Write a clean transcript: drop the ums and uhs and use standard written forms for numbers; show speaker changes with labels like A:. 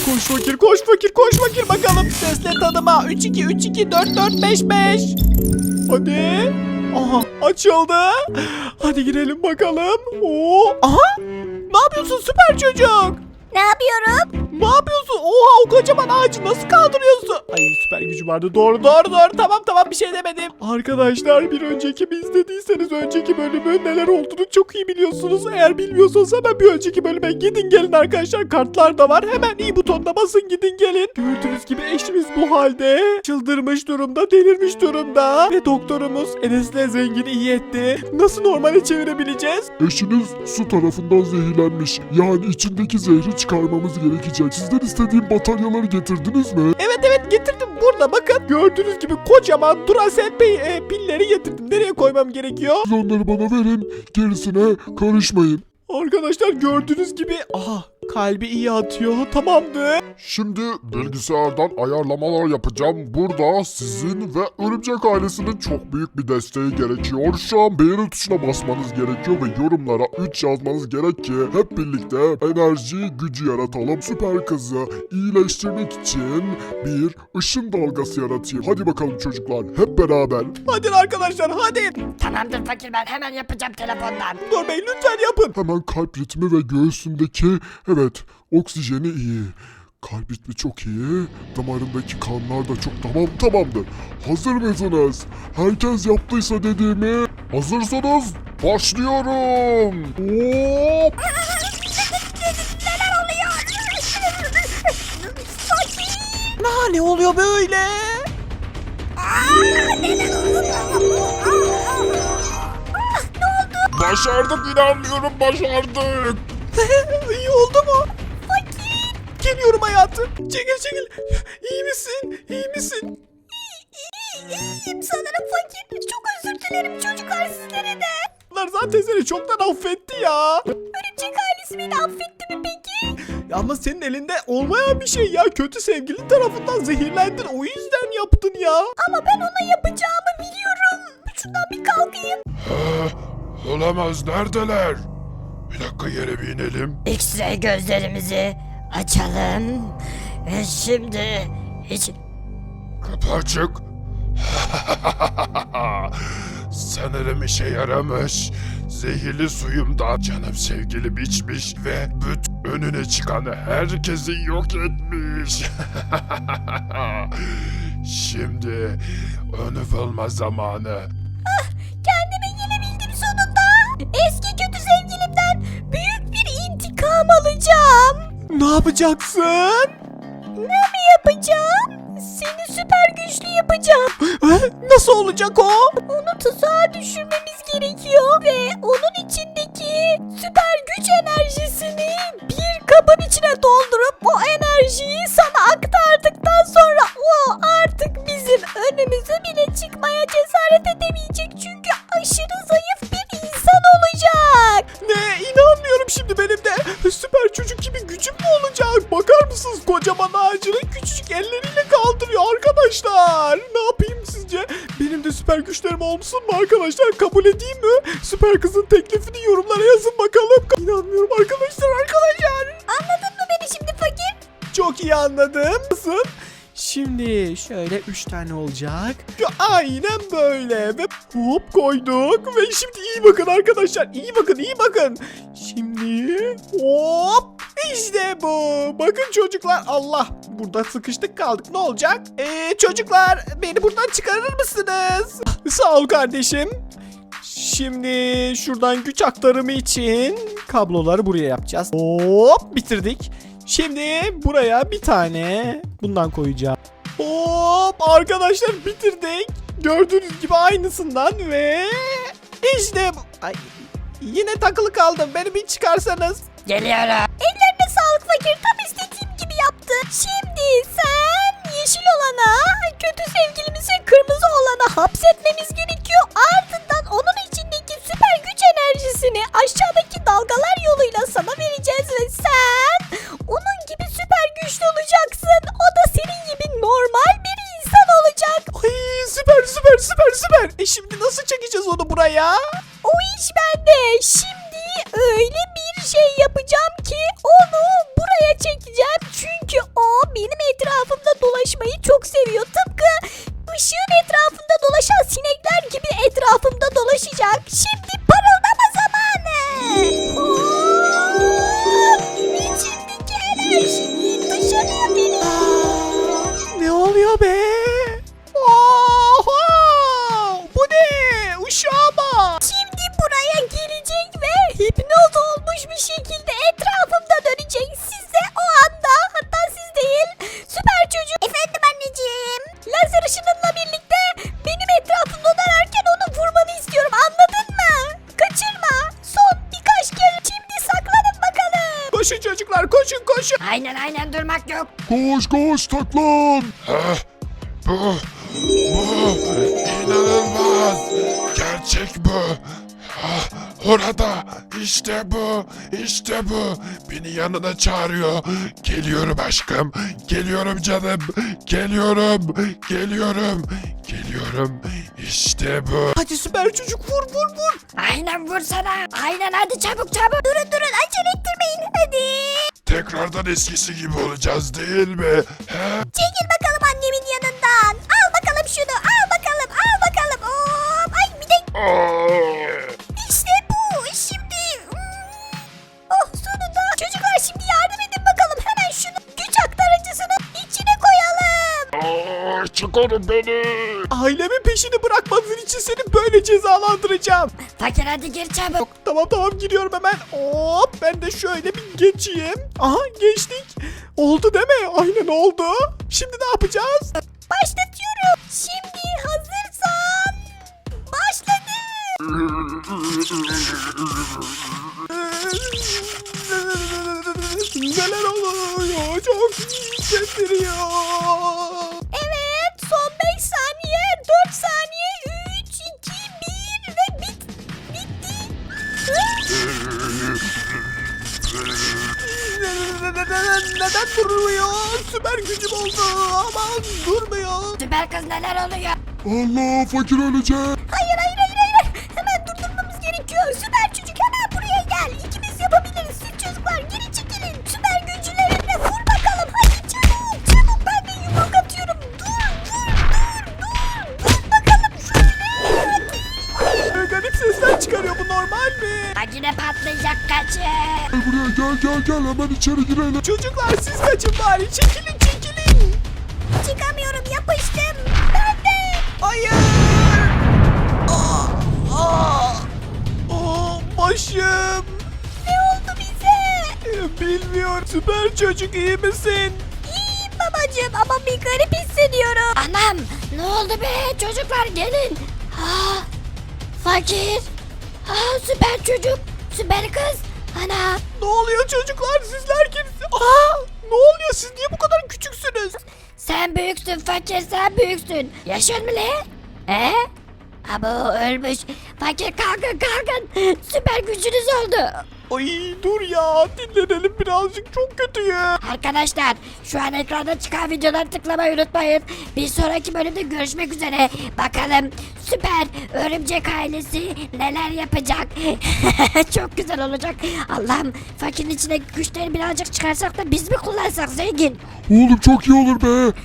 A: Koş fakir, koş fakir, koş fakir bakalım. Sesle tanıma. 3-2-3-2-4-4-5-5. Hadi. Aha, açıldı. Hadi girelim bakalım. Oo, aha. Ne yapıyorsun süper çocuk?
B: Ne yapıyorum?
A: Ne yapıyorsun? Oha, o kocaman ağacı nasıl kaldırıyorsun? Ay, süper gücü vardı. Doğru. Tamam bir şey demedim. Arkadaşlar, bir önceki izlediyseniz önceki bölümün neler olduğunu çok iyi biliyorsunuz. Eğer bilmiyorsanız hemen bir önceki bölüme gidin gelin arkadaşlar. Kartlar da var. Hemen i butonuna basın, gidin gelin. Gördüğünüz gibi eşimiz bu halde. Çıldırmış durumda, delirmiş durumda. Ve doktorumuz Enes'le Zengin'i iyi etti. Nasıl normale çevirebileceğiz?
C: Eşiniz su tarafından zehirlenmiş. Yani içindeki zehri çıkarmamız gerekecek. Sizden istediğim bataryaları getirdiniz mi?
A: Evet getirdim, burada bakın. Gördüğünüz gibi kocaman Duracell pilleri getirdim. Nereye koymam gerekiyor?
C: Siz onları bana verin. Gerisine karışmayın.
A: Arkadaşlar gördüğünüz gibi aha, kalbi iyi atıyor. Tamamdır.
C: Şimdi bilgisayardan ayarlamalar yapacağım. Burada sizin ve Örümcek ailesinin çok büyük bir desteği gerekiyor. Şu an beğeni tuşuna basmanız gerekiyor ve yorumlara 3 yazmanız gerek ki hep birlikte enerji gücü yaratalım. Süper kızı iyileştirmek için bir ışın dalgası yaratayım. Hadi bakalım çocuklar, hep beraber.
A: Hadi arkadaşlar, hadi.
B: Tamamdır fakir, ben hemen yapacağım telefondan.
A: Doktor Bey lütfen yapın.
C: Hemen kalp ritmi ve göğsündeki, evet, oksijeni iyi. Kalp ritmi çok iyi. Damarındaki kanlar da çok tamamdır. Hazır mısınız? Herkes yaptıysa dediğimi. Hazırsanız başlıyorum. Hop!
B: Neler oluyor? Fakir.
A: Ne oluyor böyle?
B: Neler oluyor?
C: Başardık, inanmıyorum, başardık.
A: İyi oldu mu? Geliyorum hayatım. Çekil. İyi misin?
B: İyiyim sanırım fakir. Çok özür dilerim çocuklar, sizlere de.
A: Bunlar zaten seni çoktan affetti ya.
B: Örümcek ailesi beni affetti mi peki?
A: Ya ama senin elinde olmayan bir şey ya. Kötü sevgilin tarafından zehirlendin. O yüzden yaptın ya.
B: Ama ben ona yapacağımı biliyorum. Şuradan bir kalkayım.
C: Olamaz, neredeler? Bir dakika, yere bir inelim.
B: X-ray gözlerimizi açalım. Ve şimdi hiç...
C: Kapı açık. Sanırım işe yaramış. Zehirli suyumdan canım sevgilim içmiş ve önüne çıkan herkesi yok etmiş. Şimdi onu bulma zamanı.
B: Kendime gelebildim sonunda. Eski kötü sevgilimden büyük bir intikam alacağım.
A: Ne yapacaksın?
B: Ne mi yapacağım? Seni süper güçlü yapacağım.
A: Nasıl olacak o?
B: Onu tuzağa düşürmemiz gerekiyor ve onun içindeki süper güç enerjisini bir kabın içine doldurup o enerjiyi sana aktardıktan sonra o artık bizim önümüze bile çıkmaya cesaret edemeyecek, çünkü aşırı zayıf bir insan olacak.
A: Ne? İnanmıyorum, şimdi benim de süper çocuk gibi gücüm mü olacak? Bakar mısınız, kocaman ağacını küçücük elleriyle kaldırıyor arkadaşlar. Ne yapayım sizce? Benim de süper güçlerim olsun mu arkadaşlar? Kabul edeyim mi? Süper kızın teklifini yorumlara yazın bakalım. İnanmıyorum arkadaşlar.
B: Anladın mı beni şimdi fakir?
A: Çok iyi anladım. Nasıl? Şimdi şöyle 3 tane olacak. Aynen böyle ve hop koyduk ve şimdi iyi bakın arkadaşlar. İyi bakın. Şimdi hop işte bu. Bakın çocuklar, Allah, burada sıkıştık kaldık. Ne olacak? Çocuklar, beni buradan çıkarır mısınız? Sağ ol kardeşim. Şimdi şuradan güç aktarımı için kabloları buraya yapacağız. Hop bitirdik. Şimdi buraya bir tane bundan koyacağım. Hop arkadaşlar, bitirdik. Gördüğünüz gibi aynısından ve işte ay, yine takılı kaldım. Beni bir çıkarsanız.
B: Geliyorum. Ellerine sağlık fakir, tam istediğim gibi yaptı. Şimdi sen yeşil olana, kötü sevgilimizi kırmızı olana hapsetmemiz gerekiyor. Ardından onun içindeki süper güç enerjisini aşağıdaki dalgalar yoluyla sana vereceğiz ve sen onun gibi süper güçlü olacaksın. O da senin gibi normal bir insan olacak.
A: Ay süper. Şimdi nasıl çekeceğiz onu buraya?
B: O iş bende. Şimdi öyle bir şey yapacağım ki onu buraya çekeceğim. Çünkü benim etrafımda dolaşmayı çok seviyor. Tıpkı ışığın etrafında dolaşan sinekler gibi etrafımda dolaşacak. Şimdi parıldama zamanı. İçimdeki enerjiyi dışarıya veriyorum.
A: Ne oluyor be? Oha! Bu ne? Uşağa bak.
B: Şimdi buraya gelecek ve hipnoz olmuş bir şekilde etrafımda dönecek. Siz de o anda, hatta siz değil, süper çocuk. Efendim anneciğim. Lazer ışınınla birlikte benim etrafımda dönerken onu vurmanı istiyorum. Anladın mı? Kaçırma. Son birkaç kere. Şimdi saklanın bakalım.
A: Koşun çocuklar, koşun koşun.
B: Aynen durmak yok.
C: Koş koş taklan. Bu inanılmaz. Gerçek bu. Orada işte bu. Beni yanına çağırıyor. Geliyorum aşkım. Geliyorum canım. Geliyorum. İşte bu.
A: Hadi süper çocuk vur.
B: Aynen vursana. Aynen hadi çabuk. Durun acele ettirmeyin hadi.
C: Tekrardan eskisi gibi olacağız değil mi?
B: Çekil bakalım annemin yanından. Al bakalım şunu. Al bakalım. Hop. Ay bir de işte bu. Şimdi. Oh sonunda. Çocuklar şimdi yardım edin bakalım. Hemen şunu güç aktarıcısının içine koyalım.
C: Çıkarın beni.
A: Ailemin peşini bırakmadığın için seni böyle cezalandıracağım.
B: Fakir hadi gir çabuk.
A: Tamam giriyorum hemen. Hop ben de şöyle bir geçeyim. Aha geçtik. Oldu değil mi? Aynen oldu. Şimdi ne yapacağız?
B: Başlatıyorum. Şimdi hazırsan. Başladı.
A: Neler oluyor? Çok hissettiriyor.
B: Evet son 5 saniye 4 saniye 3 2 1 ve bitti.
A: Neden durmuyor? Süper gücüm oldu. Aman durmuyor.
B: Süper kız neler oluyor?
C: Allah fakir ölecek.
B: Hayır. Hemen durdurmamız gerekiyor. Süper çocuk hemen buraya gel. İkimiz yapabiliriz. Siz çocuklar geri çekilin. Süper gücülerine vur bakalım. Hadi çabuk. Ben de yumruk atıyorum. Dur bakalım şöyle.
A: Garip sesler çıkarıyor. Bu normal mi?
B: Makine patlayacak kaçın.
C: Buraya gel hemen içeri girelim.
A: Çocuklar siz kaçın bari. Çekilin.
B: Çıkamıyorum yapıştım. Ben de.
A: Hayır. Başım.
B: Ne oldu bize?
A: Bilmiyorum. Süper çocuk iyi misin?
B: İyiyim babacığım ama bir garip hissediyorum. Anam ne oldu be çocuklar gelin. Fakir. Süper çocuk. Süper kız. Ana.
A: Ne oluyor çocuklar? Sizler kimsiniz? Ne oluyor? Siz niye bu kadar küçüksünüz?
B: Sen büyüksün fakir sen büyüksün. Yaşın mı le? Abo ölmüş. Fakir kalkın. Süper gücünüz oldu.
A: Ay dur ya. Dinlenelim birazcık. Çok kötüyüm.
B: Arkadaşlar şu an ekranda çıkan videoları tıklamayı unutmayın. Bir sonraki bölümde görüşmek üzere. Bakalım süper örümcek ailesi neler yapacak. Çok güzel olacak. Allah'ım fakirin içine güçleri birazcık çıkarsak da biz mi kullansak zengin?
C: Oğlum çok iyi olur be.